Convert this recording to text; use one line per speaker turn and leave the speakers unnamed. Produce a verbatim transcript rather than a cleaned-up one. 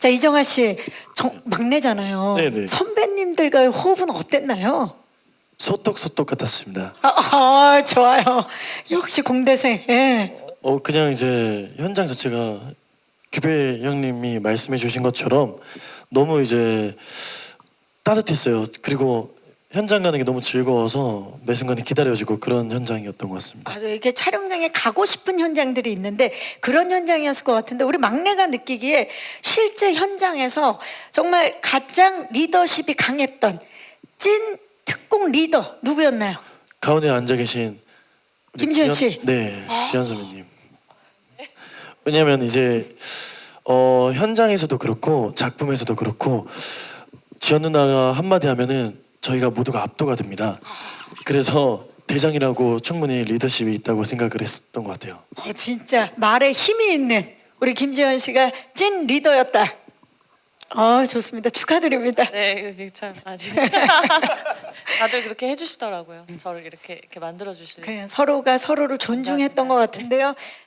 자, 이정아 씨, 정, 막내잖아요.
네네.
선배님들과의 호흡은 어땠나요?
소떡소떡 같았습니다.
아, 아, 좋아요. 역시 공대생. 예.
어 그냥 이제 현장 자체가 규배 형님이 말씀해 주신 것처럼 너무 이제 따뜻했어요. 그리고 현장 가는 게 너무 즐거워서 매 순간에 기다려지고 그런 현장이었던 것 같습니다.
맞아요. 이렇게 촬영장에 가고 싶은 현장들이 있는데 그런 현장이었을 것 같은데 우리 막내가 느끼기에 실제 현장에서 정말 가장 리더십이 강했던 찐 특공 리더 누구였나요?
가운데 앉아 계신 우리
김지현
지현-
씨.
네, 지현 선배님. 왜냐하면 이제 어, 현장에서도 그렇고 작품에서도 그렇고 지현 누나가 한마디 하면은 저희가 모두가 압도가 됩니다. 그래서 대장이라고 충분히 리더십이 있다고 생각을 했었던 것 같아요.
어, 진짜 말에 힘이 있는 우리 김지현 씨가 찐 리더였다. 어, 좋습니다. 축하드립니다.
네, 이거 참 아직 다들 그렇게 해주시더라고요. 저를 이렇게 이렇게 만들어 주시는.
그냥 서로가 서로를 존중했던 것 같은데요.